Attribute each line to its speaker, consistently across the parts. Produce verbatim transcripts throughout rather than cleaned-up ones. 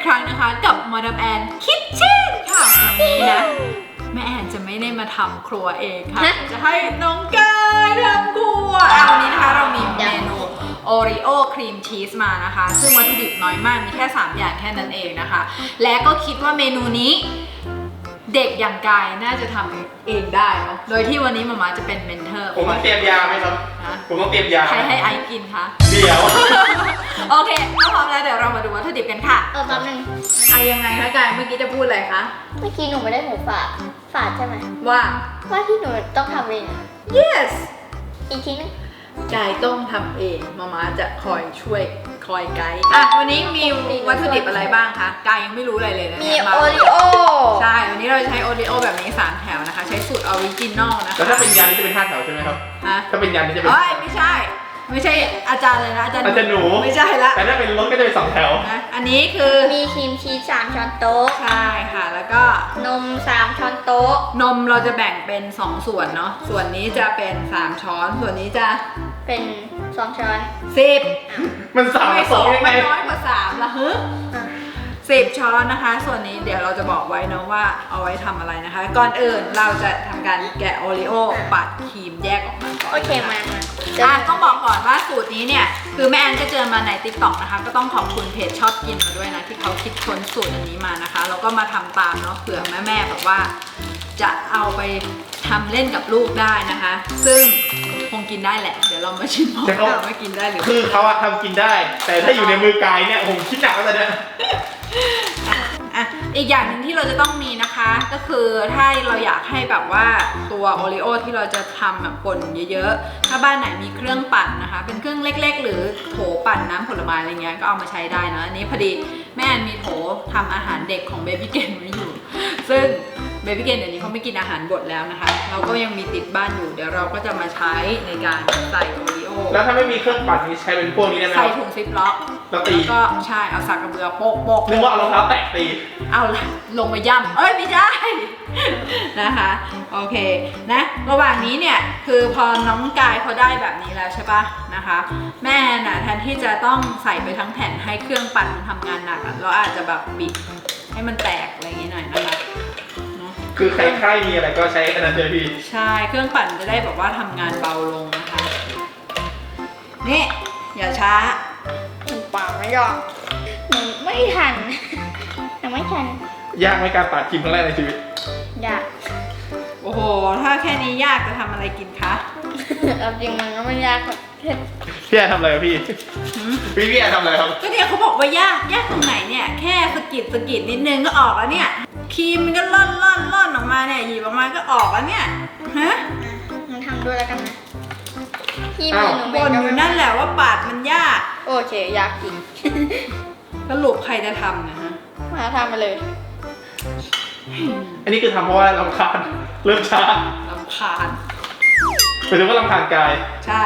Speaker 1: ครั้งนะคะกับมาดามแอนคิทเช่นค่ะวันนี้นะแม่แอนจะไม่ได้มาทำครัวเองค่ะจะให้น้องกายทำครัววันนี้นะคะเรามีเมนูโอริโอครีมชีสมานะคะซึ่งวัตถุดิบน้อยมากมีแค่สามอย่างแค่นั้นเองนะคะและก็คิดว่าเมนูนี้เด็กอย่างกายน่าจะทำเองได้เนาะโดยที่วันนี้มาม่าจะเป็นเมนเทอร์
Speaker 2: ผมต้องเตรียมยาไหมครับผมต้องเตรียมยา
Speaker 1: ใครให้ไอกินคะ
Speaker 2: เดี๋ยว
Speaker 1: โอเคถ้าพร้อมแล้วเดี๋ยวเรามาดูวัตถุดิบกันค่ะ
Speaker 3: เออแป๊บนึง
Speaker 1: ไอยังไงคะกายเมื่อกี้จะพูดอะไรคะ
Speaker 3: เมื่อกี้หนูไม่ได้หมูฝาดฝาดใช่ไหม
Speaker 1: ว่า
Speaker 3: ว่าที่หนูต้องทำเอง
Speaker 1: yes
Speaker 3: อีกทีนึง
Speaker 1: กายต้องทำเองมาม่าจะคอยช่วยคอยไกด์อ่ะวันนี้มีวัตถุดิบอะไรบ้างคะกายยังไม่รู้อะไรเลยนะ
Speaker 3: มี
Speaker 1: เนี่ย
Speaker 3: โอริโอ
Speaker 1: ใช่วันนี้เราใช้โอริโอแบบนี้สามแถวนะคะใช้สูตรออริจินอลนะคะ
Speaker 2: แล้วถ้าเป็นยันนี่จะเป็นห้าแถวใช่ไหมครับ
Speaker 1: ฮะ
Speaker 2: ถ้าเป็นยันนี่จะเป็น
Speaker 1: เอ้ยไม่ใช่ไม่ใช่อาจารย์เลยนะอาจารย์
Speaker 2: อาจารย์หนู
Speaker 1: ไม่ใช่ละ
Speaker 2: แต่ถ้าเป็นรถก็จะเป็นสองแถว
Speaker 1: นะอันนี้คือ
Speaker 3: มีครีมชีสสามช้อนโต๊ะ
Speaker 1: ใช่ค่ะแล้วก็
Speaker 3: นมสามช้อนโต๊ะ
Speaker 1: นมเราจะแบ่งเป็นสองส่วนเนาะส่วนนี้จะเป็นสามช้อนส่วนนี้จะ
Speaker 3: เป็นสองช้อน
Speaker 1: สิบ
Speaker 2: มันสาม
Speaker 1: ไม่
Speaker 2: สองยังไง
Speaker 1: น้อยกว่าสามละฮึสิบช้อนนะคะส่วนนี้เดี๋ยวเราจะบอกไว้นะว่าเอาไว้ทำอะไรนะคะก่อนอื่นเราจะทำการแกะโอริโอปัดครีมแยกออกมาก่อน
Speaker 3: โอเคมามา
Speaker 1: อ่ะต้องบอกก่อนว่าสูตรนี้เนี่ยคือแม่แอนก็เจอมาใน ติ๊กต็อก นะคะก็ต้องขอบคุณเพจชอบกินมาด้วยนะที่เขาคิดค้นสูตรอันนี้มานะคะแล้วก็มาทำตามเนาะเผื่อแม่ๆแบบว่าจะเอาไปทำเล่นกับลูกได้นะคะ ซึ่งคงกินได้แหละเดี๋ยวเรามาชิมว่าไม่กินได้หรือ
Speaker 2: คือเขาอะทำกินได้แต่ถ้าอยู่ในมือกายเนี่ยผมคิดหนักแล้วเนี่ย
Speaker 1: อ่ะอีกอย่างหนึ่งที่เราจะต้องมีนะคะก็คือถ้าเราอยากให้แบบว่าตัวโอริโอที่เราจะทำแบบป่นเยอะๆถ้าบ้านไหนมีเครื่องปั่นนะคะเป็นเครื่องเล็กๆหรือโถปั่นน้ำผลไม้อะไรเงี้ยก็เอามาใช้ได้นะอันนี้พอดีแม่มีโถทำอาหารเด็กของเบบี้เกนไว้อยู่ซึ่งเบบี้เกนเดี๋ยวนี้เขาไม่กินอาหารบดแล้วนะคะเราก็ยังมีติดบ้านอยู่เดี๋ยวเราก็จะมาใช้ในการใส่โอริโอ
Speaker 2: แล้วถ้าไม่มีเครื่องปั่นนี่ใช้เป็นพวกนี้ได้ไหม
Speaker 1: ใส่ถุงซิปล็อก
Speaker 2: แล้วตี
Speaker 1: ก็ใช่เอาสักกระเบือโปกโปก
Speaker 2: นึกว่าเอารองเท้าแตะตี
Speaker 1: เอาละลงมาย่ำเอ้ยไม่ใช่นะคะโอเคนะระหว่างนี้เนี่ยคือพอน้องกายเขาได้แบบนี้แล้วใช่ปะนะคะแม่น่ะแทนที่จะต้องใส่ไปทั้งแผ่นให้เครื่องปั่นมันทำงานหนักเราอาจจะแบบบิดให้มันแตกอะไรอย่างงี้หน่อยนะคะ
Speaker 2: คือใครๆมีอะไรก็ใช้ขนาดเจอพี่
Speaker 1: ใช่เครื่องปั่นจะได้แบบว่าทำงานเบาลงนะคะนี่อย่าช้า
Speaker 3: ป่าไม่ยอมหนูไม่ทันหนูไม่ทัน
Speaker 2: ยากไหมการปาดครีมครั้งแรกในชีวิต
Speaker 3: ยาก
Speaker 1: โอ้โหถ้าแค่นี้ยากจะทำอะไรกินคะ
Speaker 3: เอาจริงมันก็ไม่ยากครับ
Speaker 2: พี่แอนทำอะไรพี่พี่พี่แอนทำอะไรครับ
Speaker 1: ก็เนี่ยเขาบอกว่ายากยากตรงไหนเนี่ยแค่สกิดสกิดนิดนึงก็ออกแล้วเนี่ยครีมมันก็ล่อนล่อนล่อนออกมาเนี่ยหยิบออกมาก็ออกแล้วเนี่ยฮะ
Speaker 3: มันทำด้วยแล้วกันนะ
Speaker 1: ที่มือหนูบ่นอยู่นั่นแหละว่าปาดมันยาก
Speaker 3: โอเคยากจริง
Speaker 1: สรุปใครจะทำนะฮะ
Speaker 3: มาทำมาเลย
Speaker 2: อันนี้คือทำเพราะว่าลำคาญเริ่มช้า
Speaker 1: ลำคาญ
Speaker 2: หมายถึงว่าลำคาญกาย
Speaker 1: ใช่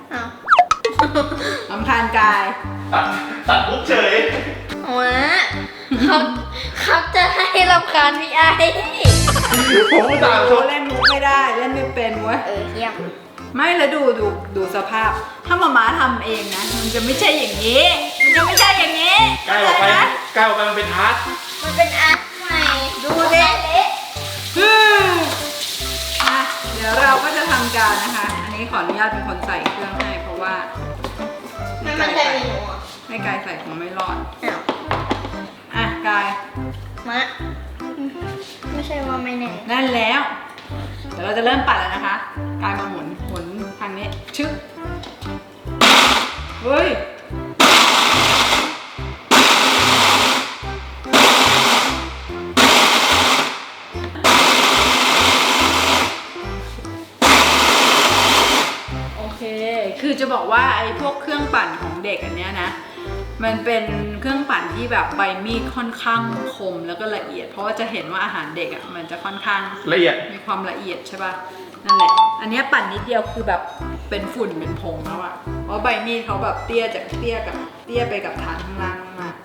Speaker 1: ลำคาญกาย
Speaker 2: ตัดตัดปุ๊บเฉย
Speaker 3: ว้าเขาเขาจะให้ลำคาญพี่ไอ
Speaker 2: ผมไม่ต่าง
Speaker 1: เขาเล่นมุกไม่ได้เล่นไม่เป็นเว้ย
Speaker 3: เออเยี่ยม
Speaker 1: ไม่แล้วดูดูดูสภาพถ้ามาม่าทำเองนะมันจะไม่ใช่อย่างนี้มันจะไม่ใช่อย่างนี้
Speaker 2: กายออกไปกายออกไปมันเป็นอาร์ต
Speaker 3: มันเป็นอาร์ตใหม่
Speaker 1: ดูดิอ่ะเดี๋ยวเราก็จะทำการนะคะอันนี้ขออนุญาตเป็นคนใส่เครื่องให้เพราะว่า
Speaker 3: ไม่มันใส่หนู
Speaker 1: ให้กายใส่คงไม่รอดอ่ะกาย
Speaker 3: มะไม่ใช่ว่าไม่แน่
Speaker 1: นั่นแล้วเดี๋ยวเราจะเริ่มปัดแล้วนะคะกายมาหมุนหมุนทางนี้ชึบเฮ้ยโอเคคือจะบอกว่าไอ้พวกเครื่องปั่นของเด็กอันเนี้ยนะมันเป็นเครื่องปั่นที่แบบใบมีดค่อนข้างคมแล้วก็ละเอียดเพราะว่าจะเห็นว่าอาหารเด็กอ่ะมันจะค่อนข้าง
Speaker 2: ละเอียด
Speaker 1: มีความละเอียดใช่ป่ะนั่นแหละอันนี้ปั่นนิดเดียวคือแบบเป็นฝุ่นเป็นผงแล้วอ่ะเพราะใบมีดเขาแบบเตี้ยจากเตี้ยกับเตี้ยไปกับฐานข้างล่างมาก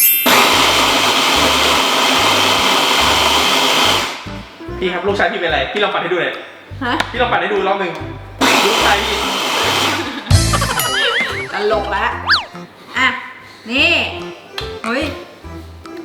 Speaker 2: พี่ครับลูกชายพี่เป็นอะไรพี่ลองปั่นให้ดูหน่อย
Speaker 1: ฮะ
Speaker 2: พี่ลองปั่นให้ดูรอบหนึ่งลูกชายพี่
Speaker 1: ตลกแล้วอ่ะนี่เฮ้ย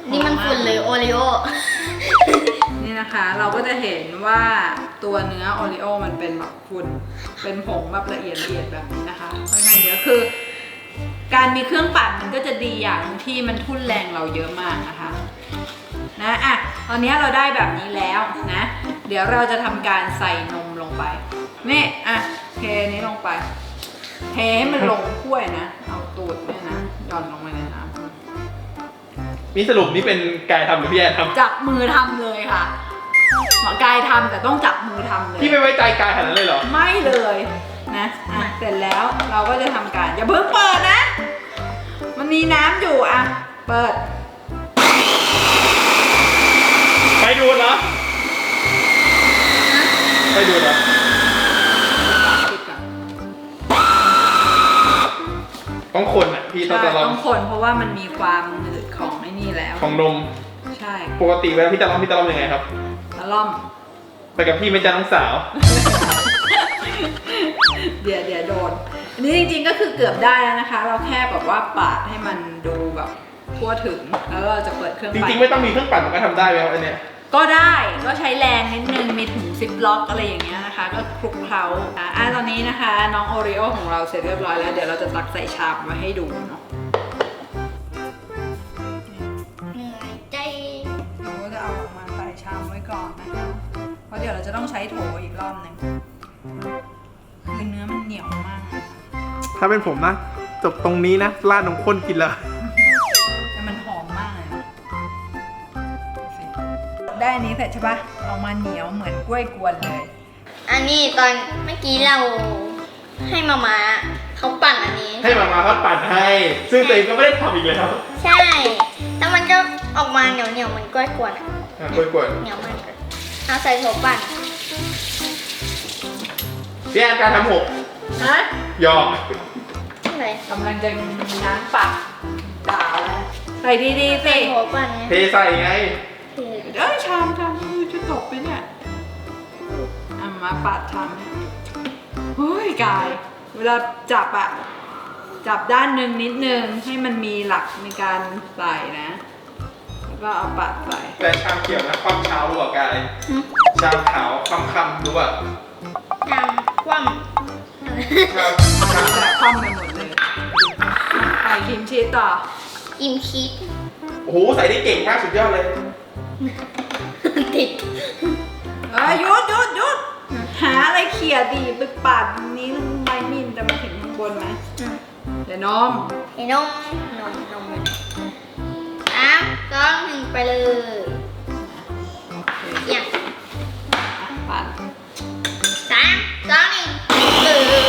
Speaker 1: นะคะ เราก็จะเห็นว่าตัวเนื้อโอริโอมันเป็นแบบฝุ่นเป็นผงแบบละเอียดละเอียดแบบนี้นะคะค่อนข้างเยอะคือการมีเครื่องปั่นมันก็จะดีอย่างที่มันทุ่นแรงเราเยอะมากนะคะนะอ่ะตอนนี้เราได้แบบนี้แล้วนะ เดี๋ยวเราจะทำการใส่นมลงไปนี่อ่ะเทนี้ลงไปเทให้มันลงถ้วยนะเอาตูดเนี่ยนะหย่อนลงไปในน้ำ
Speaker 2: นี่สรุปนี่เป็นกายทำหรือพี่แอนทำ
Speaker 1: จับมือทำเลยค่ะหมอกายทำแต่ต้องจับมือทำเลย
Speaker 2: พี่ไม่ไว้ใจกายขนาดนั้นเลยเหรอ
Speaker 1: ไม่เลยนะอ่ะเสร็จแล้วเราก็จะทำการอย่าเพิ่งเปิดนะ มันมีน้ำอยู่อ่ะเปิด
Speaker 2: ไปดูดเหรอไปดูดเหรอ
Speaker 1: ปิดก่อน
Speaker 2: ต้องคนอ่ะพี่ต้อง
Speaker 1: ใช่
Speaker 2: จะลอง
Speaker 1: ต้องคนเพราะว่ามันมีความหนืดของไอ้นี่แล้ว
Speaker 2: ของนม
Speaker 1: ใช่
Speaker 2: ปกติเวลาพี่จะลองพี่จะลองยังไงครับ
Speaker 1: แล้วล่อม
Speaker 2: ไปกับพี่ไม่จ้าน้องสาว
Speaker 1: เดี๋ยวเดี๋ยวโดนอันนี้จริงๆก็คือเกือบได้แล้วนะคะ เราแค่แบบว่าปาดให้มันดูแบบทั่วถึงแล้วเราจะเปิดเครื่อง
Speaker 2: จ
Speaker 1: ปั่น
Speaker 2: ริงๆไม่ต้องมีเครื่องปั่นมันก็ทำได้ไหมครับอันเนี้ย
Speaker 1: ก็ได้ก็ใช้แรงนิดนึงมีถุงซิปล็อกอะไรอย่างเงี้ยนะคะ ก็คลุกเคล้าอ่ะอ่ะตอนนี้นะคะ น้องโอริโอของเราเสร็จเรียบร้อยแล้วเดี๋ยวเราจะตักใส่ชามมาให้ดูเนาะ
Speaker 3: เหนื่อยใจ
Speaker 1: เราก็จะเอาออกมาใส่ชามไว้ก่อนนะคะเพราะเดี๋ยวเราจะต้องใช้โถอีกรอบหนึ่งคือเนื้อมันเหนียวมากเลย
Speaker 2: ถ้าเป็นผมนะจบตรงนี้นะราดนมข้นกินเลย
Speaker 1: แต่มันหอมมากเลยนะดูสิได้อันนี้เสร็จใช่ปะออกมาเหนียวเหมือนกล้วยกวนเลย
Speaker 3: อันนี้ตอนเมื่อกี้เราให้มามาเขาปั่นอันนี้
Speaker 2: ให้มามาเขาปั่นให้ ซึ่งตัวเองก็ไม่ได้ทำอีกแล้ว
Speaker 3: ใช่ แล้วมันก็ออกมาเหนียวเหนียวๆเหมันกล้วยกวนอะ
Speaker 2: อ่ะกล้วยกวน
Speaker 3: เหนียวมากเลยเอาใส่โถปั่น
Speaker 2: พี่แอนการทำหก
Speaker 1: ฮะ
Speaker 2: ยอม
Speaker 3: อะไร
Speaker 1: กำลังจะมีน้ำปักด่าแล้วใส่ดีๆสิ
Speaker 3: ใส่โถปั่นไง
Speaker 2: เทใส่ไง
Speaker 3: เท
Speaker 1: เอ้ยชามชามมือจะตกไปเนี่ยอ่ะมาปัดชามให้เฮ้ยกาย เวลาจับอะจับด้านหนึ่งนิดนึงให้มันมีหลักในการใส่นะ แล้วก็เอาปัดใส่
Speaker 2: แต่ชามเขียวนะความเช้ารู้ป่ะกายชามขาวความคำรู้ป่ะ
Speaker 3: จำคว่
Speaker 2: ชามชาม
Speaker 1: แต่คว่ำไปหมดเลยใส่ครีมชีสต่อ
Speaker 3: ำกิมชีส
Speaker 2: โอ้โหใส่ได้เก่งมากสุดยอดเลย
Speaker 3: ติด
Speaker 1: เอ้ยหยุดหยุดหยุดหาอะไรเขี่ยดีไปปาดนี้วใบมีดจะมาถึงข้างบนไหม
Speaker 3: อืม
Speaker 1: เดี๋ยวนม
Speaker 3: ไอ้นมนมนมสามสองหนึ่งไปเลย
Speaker 1: โอเค
Speaker 3: อย่าง
Speaker 1: อ่ะปัด
Speaker 3: สามสองหนึ่งเอ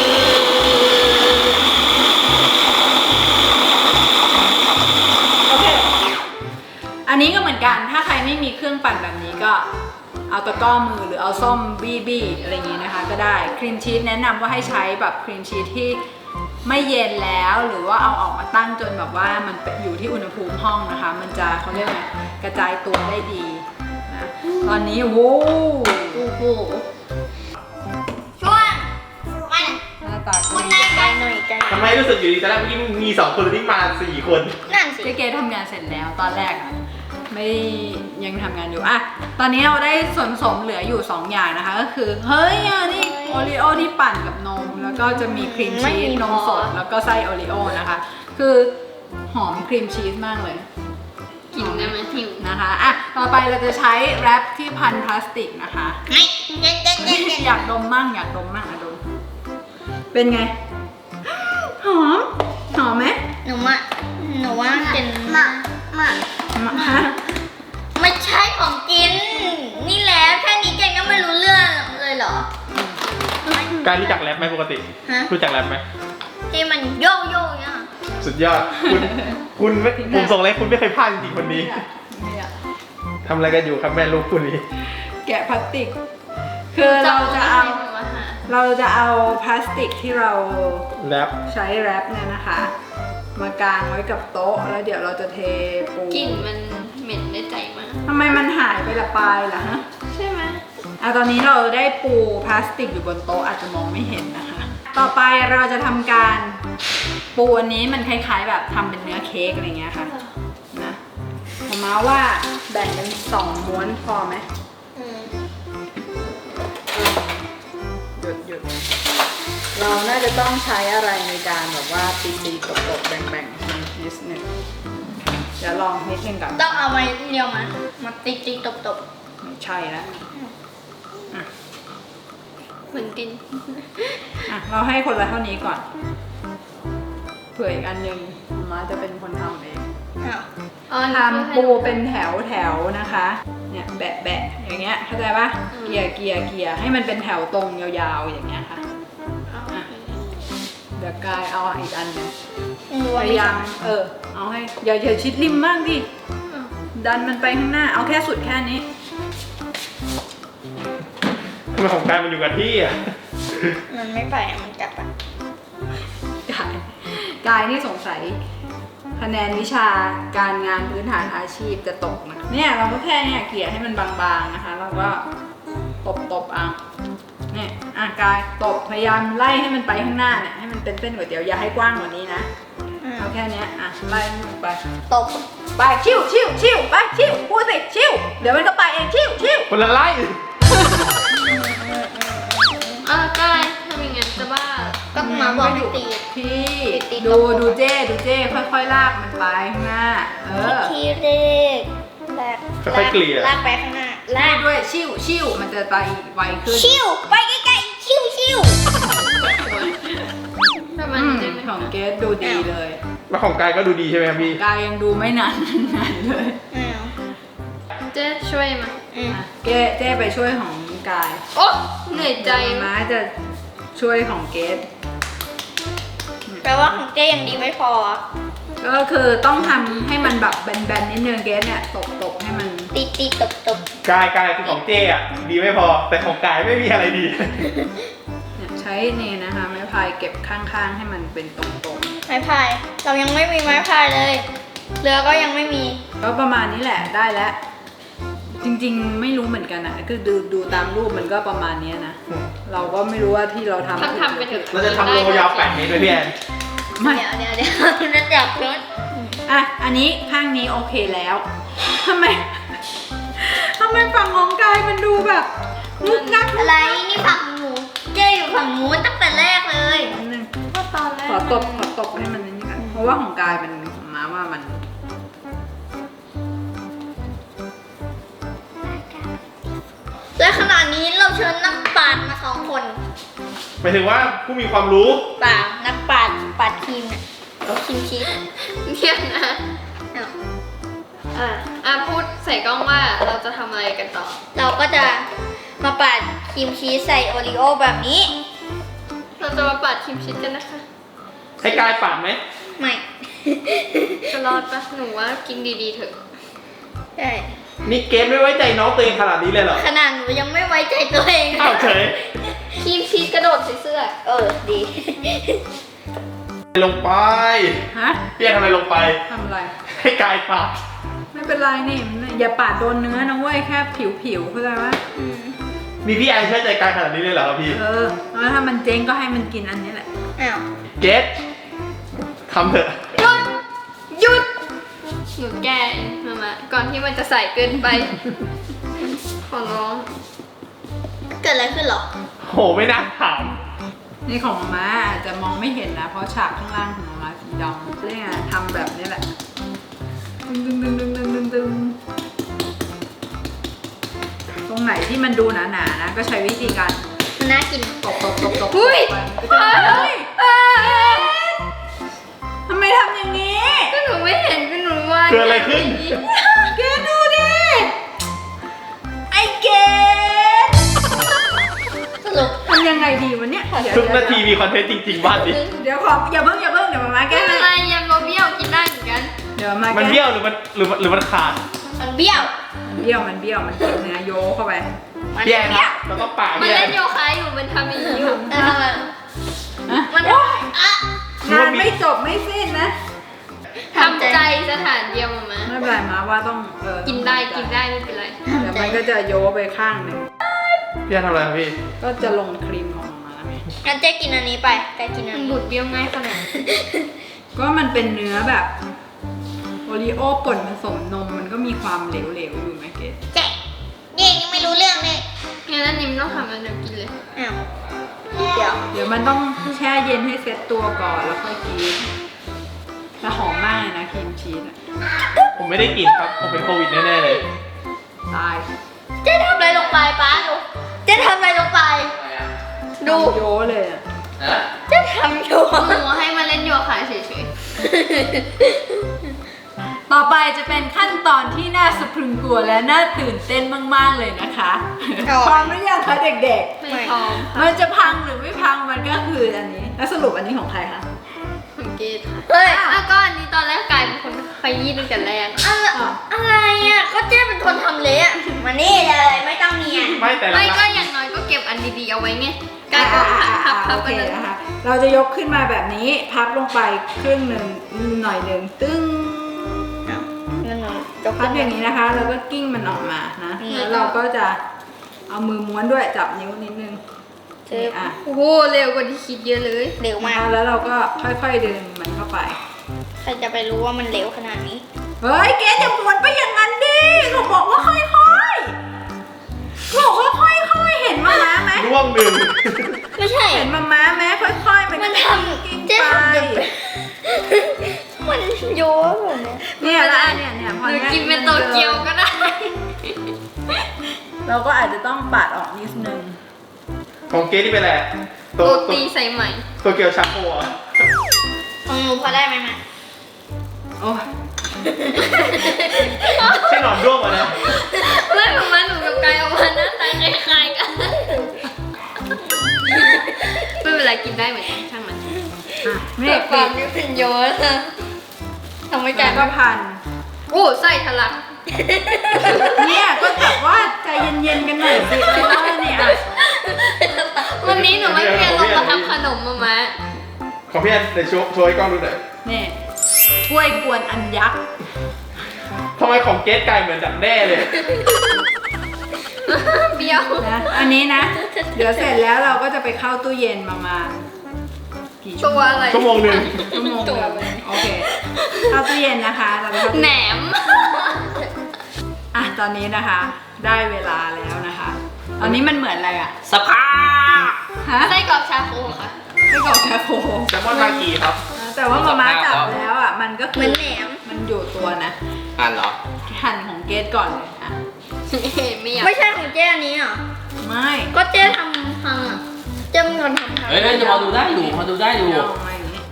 Speaker 3: อ
Speaker 1: โอเค อันนี้ก็เหมือนกัน ถ้าใครไม่มีเครื่องปั่นแบบนี้ก็เอาตะกร้อมือหรือเอาส้มบี้บี้อะไรอย่างนี้นะคะ ก็ได้ครีมชีสแนะนำว่าให้ใช้แบบครีมชีสที่ไม่เย็นแล้วหรือว่าเอาออกมาตั้งจนแบบว่ามันอยู่ที่อุณหภูมิห้องนะคะ มันจะเขาเรียกไงกระจายตัวได้ดีนะตอนนี้โอ้โห
Speaker 3: โอ้โหช่วงมัน
Speaker 1: หน้าตาก็
Speaker 3: มัน
Speaker 1: ดี
Speaker 3: ได้ใจหน่อยใจ
Speaker 2: ทำไมรู้สึกอยู่ดีแต่แรกเมื่อกี้มีสองคนที่มาสี่คน
Speaker 3: นั่นสิ
Speaker 1: เจ๊เกทำงานเสร็จแล้วตอนแรกอะไม่ยังทำงานอยู่อะตอนนี้เราได้ส่วนผสมเหลืออยู่สองอย่างนะคะ ก็คือเฮ้ยอันนี่โอริโอที่ปั่นกับนม แล้วก็จะมีครีมชีสนมสดแล้วก็ไส้โอริโอนะคะ คือหอมครีมชีสมากเลย
Speaker 3: กินได้ไหมทิว
Speaker 1: นะคะอ่ะต่อไปเราจะใช้แรปที่พันพลาสติกนะคะ
Speaker 3: ไม่เจ๊เจ๊เจ๊เจ๊
Speaker 1: อยากดมมั่งอยากดมมั่งอะดมเป็นไงหอมหอมไหม
Speaker 3: หนูว่าหนูว่ากินมามา
Speaker 1: มาฮะ
Speaker 3: ไม่ใช่ของกิน นี่แล้วแค่นี้เจนก็ไม่รู้เรื่องเลยเหรอ
Speaker 2: การรู้จักแรปไหมปกติ
Speaker 3: ฮะ
Speaker 2: รู้จักแรปไหม
Speaker 3: ที่มันโยโย่เนี่ย
Speaker 2: สุดยอด คุณคุณไม่ผมส่งเลยคุณไม่เคยพลาดจริงๆคนนี้
Speaker 1: เนี่ย
Speaker 2: ทำอะไรกันอยู่ครับแม่ลูกคุณนี้
Speaker 1: แกะพลาสติก คือเราจะเอาเราจะเอาพลาสติกที่เรา
Speaker 2: แรป
Speaker 1: ใช้แรปเนี่ยนะคะ มากางไว้กับโต๊ะแล้วเดี๋ยวเราจะเทปู
Speaker 3: กลิ่นมันเหม็นได้ใจมาก
Speaker 1: ทำไมมันหายไปละปลายล่ะฮะ
Speaker 3: ใช่ไหม
Speaker 1: อ่ะตอนนี้เราได้ปูพลาสติกอยู่บนโต๊ะอาจจะมองไม่เห็นนะคะ ต่อไปเราจะทำการปูอันนี้มันคล้ายๆแบบทำเป็นเนื้อเค้กอะไรเงี้ยค่ะนะผมมาว่าแบ่งเป็นสองม้วนพอไหม
Speaker 3: อืม
Speaker 1: สุดเราน่าจะต้องใช้อะไรในการแบบว่าตีตีตบตบๆแบ่งแบ่งๆมันนิดหนึ่งเดี๋ยวลองนิดนึงก่อน
Speaker 3: ต้องเอาไม้เดียวมามาติ๊กติ๊กตบตบ
Speaker 1: ไม่ใช่แล้วอ่ะ
Speaker 3: เหมือนกิน
Speaker 1: อ่ะเราให้คนละเท่านี้ก่อนเผื่ออีกอันหนึ่งมาจะเป็นคนทำเอง
Speaker 3: อ้าว
Speaker 1: ทำปูเป็นแถวแถวๆนะคะ เนี่ยแบะแบะๆอย่างเงี้ยเข้าใจปะเกียร์เกียร์เกียร์ให้มันเป็นแถวตรงยาวๆอย่างเงี้ยค่ะอ่ะเดี๋ยวกายเอาอีกอันหนึง
Speaker 3: รู้
Speaker 1: พ
Speaker 3: ว่าไม่
Speaker 1: ยายา
Speaker 3: ใช่
Speaker 1: มเออเอาให้อย่าอย่าชิดริมมากดิดันมันไปข้างหน้าเอาแค่สุดแค่นี้
Speaker 2: ทำไมของกายมันอยู่กับที่อ่ะ
Speaker 3: มันไม่ไปอะมันกลับอะ
Speaker 1: กายกายนี่สงสัยคะแนนวิชาการงานพื้นฐานอาชีพจะตกนะเนี่ยเราก็แค่เนี่ยเกลี่ยให้มันบางๆนะคะเราก็ตบตบๆเอาเนี่ยอ่ะกายตบพยายามไล่ให้มันไปข้างหน้าเนี่ยให้มันเป็นเส้นก๋วยเตี๋ยวอย่าให้กว้างกว่านี้นะ
Speaker 3: อืม
Speaker 1: เอาแค่เนี้ยอ่ะไล่ให้มันไป
Speaker 3: ตบ
Speaker 1: ไปชิวชิวชิวไปชิวพูดสิชิวเดี๋ยวมันก็ไปเองชิวชิว
Speaker 2: คนละไล่
Speaker 4: เออกายทำอย่างนั้นจะบ้า
Speaker 3: ก็มาบอกให้ตี
Speaker 1: พี่
Speaker 3: ตี
Speaker 1: ดู
Speaker 3: ตบ
Speaker 1: ดูเจ้ดูเจ้ค่อยๆลากมันไปข้างหน้า เออ
Speaker 3: ทีเด็กลาก
Speaker 2: ค่อยๆเกลี่ย
Speaker 3: ลากไปข้างหน้าลาก
Speaker 1: ด้วยชิวชิวมันจะไปไวขึ้น
Speaker 3: ชิวไปใกล้ๆชิวชิว
Speaker 4: ประมาณ
Speaker 1: อืม
Speaker 4: นี้ได้ไหม
Speaker 1: ของเกสดูดีเลย
Speaker 2: แล้วของกายก็ดูดีใช่ไหมครับพี่
Speaker 1: กายยังดูไม่นานนานเลย
Speaker 3: อ้าว
Speaker 4: เจ๊ช่วยมา
Speaker 3: อืม
Speaker 1: อ่ะเกสเจ้ไปช่วยของกาย
Speaker 4: โอ้เหนื่อยใจ
Speaker 1: เดี๋ยวม้าจะช่วยของเกส
Speaker 3: แปลว่าของเจ๊ยังดีไม่พอ
Speaker 1: ก็คือต้องทำให้มันแบบแบนๆนิดนึงเกสเนี่ยตบตบๆให้มัน
Speaker 3: ตีตีตบตบ
Speaker 2: กายกายคือของเจ้อ่ะดีไม่พอ แต่ของกายไม่มีอะไรดี
Speaker 1: เนี่ยใช้นี่นะคะไม้พายเก็บข้างๆให้มันเป็นตรงๆ
Speaker 3: ไม้พาย เรายังไม่มีไม้พายเลย เรือก็ยังไม่มี
Speaker 1: ก็ประมาณนี้แหละได้แล้ว จริงๆไม่รู้เหมือนกันนะคือดูดูตามรูปมันก็ประมาณเนี้ยนะ เราก็ไม่รู้ว่าที่เราทำ
Speaker 4: ทำทำไปเถอะ
Speaker 2: เราจะทำโลยาวแปดเมตรด้วยพี่แอน
Speaker 1: ไม่
Speaker 3: เดี๋ยวเดี๋ยวเดี๋ยวจะจับรถ
Speaker 1: อ่ะอันนี้ข้างนี้โอเคแล้วทำไมทำไมฝั่งของกายมันดูแบบงุกงัก
Speaker 3: อะไรนี่ฝั่งหนูเจ๊อยู่ฝั่งนู้นตั้งแต่แรกเลย
Speaker 1: นิดนึง
Speaker 4: ก็ตอนแรก
Speaker 1: ขอตบขอตบให้มันนิดนึงกันเพราะว่าของกายมันของม้าว่ามัน
Speaker 3: และขณะนี้เราเชิญนักปราชญ์มาสองคน
Speaker 2: หมายถึงว่าผู้มีความรู้
Speaker 3: เปล่านักปราชญ์ปราชญ์ทีมเนี่ยทีมชีส
Speaker 4: เที่ยงนะ
Speaker 3: อ้าว
Speaker 4: อ่ะอ่ะพูดใส่กล้องว่าเราจะทำอะไรกันต่อ
Speaker 3: เราก็จะมาปาดครีมชีสใส่โอรีโอแบบนี้
Speaker 4: เราจะมาปัดครีมชีสกันนะคะ
Speaker 2: ให้กายปาดไหม
Speaker 3: ไม่
Speaker 4: จะรอดปะหนูว่ากินดีๆเถอะ
Speaker 3: ใช่
Speaker 2: นี่เกมไม่ไว้ใจน้องตัวเองขนาดนี้เลยเหรอ
Speaker 3: ขนาดหนูยังไม่ไว้ใจตัวเอง
Speaker 2: อ้าวเฉย
Speaker 4: ครีมชีสกระโดดใส่เสื้อ
Speaker 3: เออดี
Speaker 2: ลงไป
Speaker 1: ฮะ
Speaker 2: พี่แอนทำอะไรลงไป
Speaker 1: ทำอะไร
Speaker 2: ให้กายปาด
Speaker 1: ไม่เป็นไรนี่มันอย่าปาดโดนเนื้อนะเว้ยแค่ผิวผิวๆเข้าใจปะ
Speaker 3: อืม
Speaker 2: มีพี่แอนเชื่อใจกายขนาดนี้เลยเหรอครับพี่
Speaker 1: เออแล้วถ้ามันเจ๊งก็ให้มันกินอันนี้แหละ
Speaker 3: อ้าว
Speaker 2: เกตทำเถอะ
Speaker 4: หยุด หยุด หนูแก้เองมามาก่อนที่มันจะใส่เกินไป ขอร้อง
Speaker 3: เกิดอะไรขึ้นเหรอ
Speaker 2: โหไม่น่าถาม
Speaker 1: นี่ของมาม่าอาจจะมองไม่เห็นนะ เพราะฉากข้างล่างของมาม่าสีดำเรียกไงทำแบบนี้แหละดึงดึงดึงดึงดึงดึงดึงตรงไหนที่มันดูหนาๆนะ ก็ใช้วิธีการ
Speaker 3: มันน่ากิน
Speaker 1: ตบตบตบตบ
Speaker 4: อุ้ย
Speaker 1: ไปมันก็จะเฮ้ยทำไมทำอย่างนี้
Speaker 4: ก็หนูไม่เห็นก็หนูว่า
Speaker 2: เกิดอะไรขึ้น
Speaker 1: เกดดูดิ ไอเกด
Speaker 3: สรุป
Speaker 1: ทำยังไงดีวะเนี่ยเดี๋ยว
Speaker 2: ทุกนาทีมีคอนเทนต์จริงๆบ้านดิ
Speaker 1: เดี๋ยวขออย่าเพิ่งอย่าเพิ่งเดี๋ยวมาม่าแก้
Speaker 4: ไม่
Speaker 1: ให้
Speaker 4: เป็นไรยำโรเบี้ยวกินได้เหมือนกัน
Speaker 1: เดี๋ยวมา
Speaker 2: มัน
Speaker 1: แก้
Speaker 2: เบี้ยวหรือมันหรือมันหรือมันขาด
Speaker 3: มันเบี้ยว
Speaker 1: มันเบี้ยวมันเบี้ยวมันกินเนื้อโยเข้าไป
Speaker 3: มัน
Speaker 2: พี่แอน
Speaker 3: เบี้ยว
Speaker 2: เราต้องปาด
Speaker 4: มัน
Speaker 2: พี่แอ
Speaker 4: เล่
Speaker 2: น
Speaker 4: นโยคะอยู่ มันทำอย่างนี้อยู่
Speaker 3: เออทำไม
Speaker 1: อะ
Speaker 3: มันอ่ะ
Speaker 1: งานไม่จบไม่สิ้นนะ
Speaker 4: ทำใจสถานเดียวมามา
Speaker 1: ไม่เป็นไรมาว่าต้องเออ
Speaker 4: กินได้กินได้ไม่เป็นไร
Speaker 1: เดี๋ยวมันก็จะโยไปข้างหนึ่ง
Speaker 2: พี่แอนทำอะไรครับพี่
Speaker 1: ก็จะลงครีมของมาแล้วไง
Speaker 3: งั้นเจ๊กินอันนี้ไปแกกินอั
Speaker 4: มัน น
Speaker 3: นี้
Speaker 4: บุดเบี้ยวง่ายขนาดนั้น
Speaker 1: ก็มันเป็นเนื้อแบบโอรีโอป่นผสมนมมันก็มีความเหลวๆอยู่ไหมเกด
Speaker 3: เจ๊นี่ยังไม่รู้เรื่องเลย
Speaker 4: งั้นอันนี้ไม่ต้องทำแล้วเดี๋ยวกินเลย
Speaker 3: อ้าวเดี๋ยว
Speaker 1: เดี๋ยวมันต้องแช่เย็นให้เซ็ตตัวก่อนแล้วค่อยกินแต่หอมมากเลยนะครีมชีสอะ
Speaker 2: ผมไม่ได้กินครับ ผมเป็นโควิดแน่ๆเลย
Speaker 1: ตาย
Speaker 3: เจ๊ทำอะไรลงไปป้าดูเจ๊ทำอะไรลงไป ดู
Speaker 1: โยเลยอะ
Speaker 3: เจ๊ทำอยู่
Speaker 4: หนูให้มาเล่นโยคะเฉย
Speaker 1: ต่อไปจะเป็นขั้นตอนที่น่าสะพรึงกลัวและน่าตื่นเต้นมากๆเลยนะคะพร้อมหรือยังคะเด็ก
Speaker 4: ๆไม่พร้อม
Speaker 1: ๆ
Speaker 4: ค่ะ
Speaker 1: มันจะพังหรือไม่พังมันก็คืออันนี้แล้วสรุปอันนี้ของใครคะ
Speaker 4: ของเกดค่ะ
Speaker 3: เฮ้ย
Speaker 4: อ่ะก็อันนี้ตอนแรกกลายเป็นคนขยี้ตั้งแต่แรก
Speaker 3: อะไรอะไรอ่ะก็เจ๊เป็นคนทำเละมานี่เลยไม่ต้องเนียน
Speaker 2: ไม่แต่ละ
Speaker 4: ไม่ก็อย่างน้อยก็เก็บอันดีๆเอาไว้ไงกลายเป็นพับพับพับ
Speaker 1: โอ
Speaker 4: ไป
Speaker 1: เค
Speaker 4: เลย
Speaker 1: นะคะ เราจะยกขึ้นมาแบบนี้พับลงไปครึ่งหนึ่งหน่อยหนึ่งตึ้งพับอย่างนี้นะคะแล้วก็กิ้งมันออกมานะแล้วเราก็จะเอามือม้วนด้วยจับนิ้วนิดนึงนี่อ่ะ
Speaker 4: โอ้โหเร็วกว่าที่คิดเยอะเลย
Speaker 3: เร็วมาก
Speaker 1: แล้วเราก็ค่อยๆดึงมันเข้าไป
Speaker 3: ใครจะไปรู้ว่ามันเร็วขนาดนี้
Speaker 1: เฮ้ยเกจะม้วนไปอย่างนั้นดิเขาบอกว่าค่อยๆบอกว่าค่อยๆเห็นมาม้าไหม
Speaker 2: ร่วงหนึ่ง
Speaker 3: ไม่ใช่
Speaker 1: เห็นมาม้าไหมค่อยๆมัน
Speaker 3: มันท
Speaker 1: กิ้ง
Speaker 3: ำ
Speaker 1: ไป
Speaker 3: เจ๊ทำแบบมันโยนแบบเนี้ย
Speaker 1: เนี่ยแล้วอันเนี่ยเนี่ยพอ
Speaker 4: หนู
Speaker 1: ย
Speaker 4: กินเป็นโตเกียวก็ได้
Speaker 1: เราก็อาจจะต้องปาดออกนิดนึง
Speaker 2: ของเกสที่เป็นอะไร
Speaker 4: โร
Speaker 2: ตัว
Speaker 4: ตีใส่ใหม่
Speaker 2: ตัวเกียวชาโคอ่ะ
Speaker 3: ของหนูพอได้ไหมแม่
Speaker 1: โอ้ย
Speaker 2: ใช่หนอนร่วงมานะ
Speaker 4: ไม่ประมาณหนูกับกายออกมาหน้าตาคล้ายๆกันไม่เป็นไรกินได้เหมือนกันช่างมัน
Speaker 1: อ่ะ
Speaker 3: เด็
Speaker 1: นี่
Speaker 3: กความนี่เป็นโยนทำไม่
Speaker 1: แก
Speaker 3: กัน
Speaker 1: ก็พัน
Speaker 4: โอ้ไส้ทะลัก
Speaker 1: เนี่ยก็แบบว่าใจเย็นๆกันหน่อยสิเพราะว่าเนี่ยอ่ะ
Speaker 4: วันนี้หนูไม่เพียนลงมาทำขนมมามา
Speaker 2: ของพี่แอนในโชว์โชว์ให้กล้องดูหน่อย
Speaker 1: นี่กล้วยกวนอันยักษ์
Speaker 2: ทำไมของเกสกลายเหมือนดักแด้เลย
Speaker 4: เบี้ยว
Speaker 1: นะอันนี้นะ เดี๋ยวเสร็จแล้วเราก็จะไปเข้าตู้เย็นประมาณกี่ชั่
Speaker 4: ตัว ว
Speaker 1: โมง
Speaker 4: อะไร
Speaker 2: ชั่วโมงหนึ่ง
Speaker 1: ชั่วโมงเดียวโอเคเข้าตู้เย็นนะคะเราไปเข้าตู้
Speaker 4: แหน
Speaker 1: เย็น
Speaker 4: ม
Speaker 1: อ่ะตอนนี้นะคะ ได้เวลาแล้วนะคะ ตอนนี้มันเหมือนอะไรอ่ะ
Speaker 2: สภาพ
Speaker 1: ฮะ
Speaker 4: ไส้กรอกชาโคค่ะ
Speaker 1: ไม่กรอกแคโค
Speaker 2: แซลมอนมากีครับ
Speaker 1: แต่ว่ามาม่าจับแล้วอ่ะมันก็คื
Speaker 3: เหมือนแหนม
Speaker 1: มันอยู่ตัวนะ
Speaker 2: อ่านเหรอ
Speaker 1: หั่นของเกสก่อนเลยอ่ะ
Speaker 4: ไม่อยาก
Speaker 3: ไม่ใช่ของเจ๊อันนี้เหรอ
Speaker 1: ไม่
Speaker 3: ก็เจ๊ทำพังอ่ะเจ๊เป็นคนทำพัง
Speaker 5: เฮ้ยจะพอดูได้อยู่พอดูได้อยู่
Speaker 1: เอามาอย่างนี้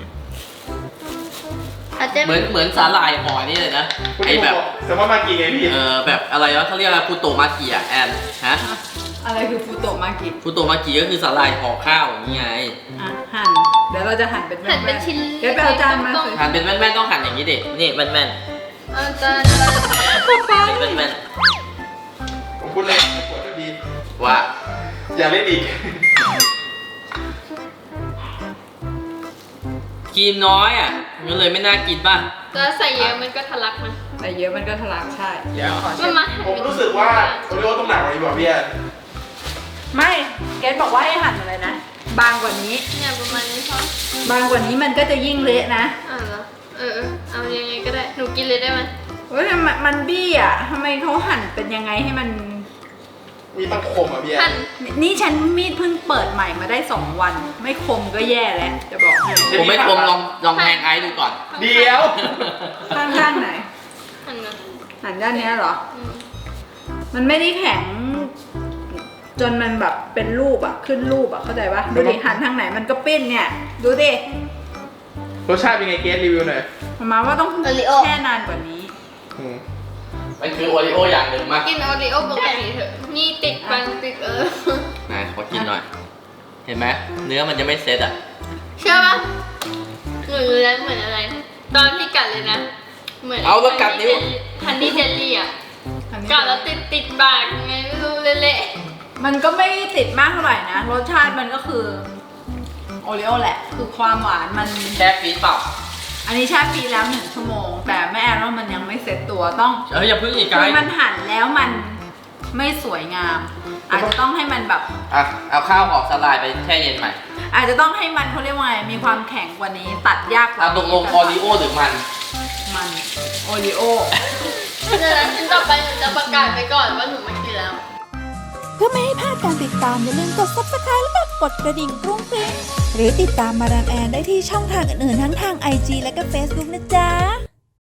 Speaker 3: แต่เจ๊
Speaker 5: เหมือนเหมือนสาหร่ายห่อนี่เลยนะไอแบบ
Speaker 2: แซลมอนมากีไงพี่
Speaker 5: เออแบบอะไรวะเขาเรียกอะไรฟูโตมากิอะแอนฮะ
Speaker 1: อะไรคือฟูโตะมากิ
Speaker 5: ฟูโตมากิก็คือสาหร่ายห่อข้าวอย่างนี้ไง
Speaker 1: อ่ะหั่นเดี๋ยวเราจะหั่นเป็น
Speaker 4: หั่นเป็น
Speaker 1: ๆ
Speaker 4: ชิ้น
Speaker 1: เกสไปเอาจานมาสิ
Speaker 5: หั่นเป็นแว่นๆต้องหั่นอย่างนี้ดินี่แว่น
Speaker 4: เอาจาน
Speaker 5: ๆเป็นแว่น
Speaker 2: ผมพูดเลยปวดดี
Speaker 5: ๆว่า
Speaker 2: อย่าเล่นอีก
Speaker 5: ครีมน้อยอ่ะมันเลยไม่น่ากินป่ะ
Speaker 4: แล้วใส่เยอะมันก็ทะลักนะ
Speaker 1: แต่เยอะมันก็ทะลักใช่เดี๋ยวขอ
Speaker 4: มั
Speaker 1: เช็
Speaker 4: น
Speaker 1: ด
Speaker 4: มาหั่น
Speaker 2: ผม
Speaker 4: เป็น
Speaker 2: รู้สึกว่าโอริโอต้องหนักกว่านี้กว่าพี่แอน
Speaker 1: ไม่เกสบอกว่าให้หั่นอะไรนะ บางกว่านี้
Speaker 4: เนี่ยประมาณนี้พอบ
Speaker 1: างกว่านี้มันก็จะยิ่งเละนะ
Speaker 4: อ่าเหรอเออเออเอายังไงก็ได้หนูกินเลยได้ไหม
Speaker 1: เฮ้ยมันมันบี้อ่ะทำไมเขาหั่นเป็นยังไงให้มัน
Speaker 2: มีตั้งคมอ่ะพี่แอ
Speaker 4: หั่
Speaker 2: น
Speaker 4: น
Speaker 1: นี่ฉันมีดเพิ่งเปิดใหม่มาได้สองวัน ไม่คมก็แย่แล้ว จะบอกให้
Speaker 5: ผมไม่คมลองลองแทงไอซ์ดูก่อน
Speaker 2: เดี๋ยว
Speaker 1: ข้างข้างไหน
Speaker 4: หั่นนะ
Speaker 1: หันด้านเนี้ยเหรอ
Speaker 4: อืม
Speaker 1: มันไม่ได้แข็ง จนมันแบบเป็นรูปอะขึ้นรูปอะเข้าใจปะดูดิหันทางไหนมันก็ปิ้นเนี่ย ดูดิ
Speaker 2: รสชาติเป็นไงเกสรีวิวหน่อย
Speaker 1: ประมาณว่าต้องแช่นานกว่านี้
Speaker 2: อืม
Speaker 5: มันคือโอริโออย่างหนึ่งมาก
Speaker 4: กินโอริโอปกติเถอะนี่ติดฟันติดเออ
Speaker 5: นะขอกินหน่อย เห็นไหมเนื้อมันจะไม่เซ็ตอ่ะ
Speaker 4: เชื่อปะหนูรู้แล้วเหมือนอะไร ตอนที่กัดเลยนะ เหมือน
Speaker 5: เอาแล้วกัดนิ้ว
Speaker 4: ฮันนี่เจลลี่อ่ะ
Speaker 1: อันนี้
Speaker 4: กัดแล้วติดติดปากยังไงไม่รู้เละ
Speaker 1: มันก็ไม่ติดมากเท่าไหร่นะ รสชาติมันก็คือโอริโอแหละ คือความหวานมัน
Speaker 5: แช่ฟรีซเปล่า
Speaker 1: อันนี้แช่ฟรีแล้วหนึ่งชั่วโมง แต่แม่แอนว่ามันยังไม่เซ็ตตัวต้อง
Speaker 5: เอ้ยอย่าเพิ่งอีกไก
Speaker 1: คือ
Speaker 5: ด์
Speaker 1: มันหั่นแล้วมันไม่สวยงาม อาจจะต้องให้มันแบบ
Speaker 5: อ่ะเอาข้าวออกสลายไปแช่เย็นใหม่
Speaker 1: อาจจะต้องให้มันเขาเรียกว่าไงมีความแข็งกว่านี้ ตัดยากกว่า
Speaker 5: เอาตกลงออริโอหรือมัน
Speaker 1: มันโอริโอ
Speaker 4: ๆเดี๋ยวนะชิ้นต่อไปหนูจะประกาศไปก่อนว่าหนูไม่กินแล้ว
Speaker 6: เพื่อไม่ให้พลาดการติดตามอย่าลืมกด ซับสไครบ์ และกดกดกระดิ่งกรุ้งกริ้งหรือติดตามมาดามแอนได้ที่ช่องทางอื่นๆทั้งทาง ไอ จี และก็ เฟซบุ๊ก นะจ๊ะ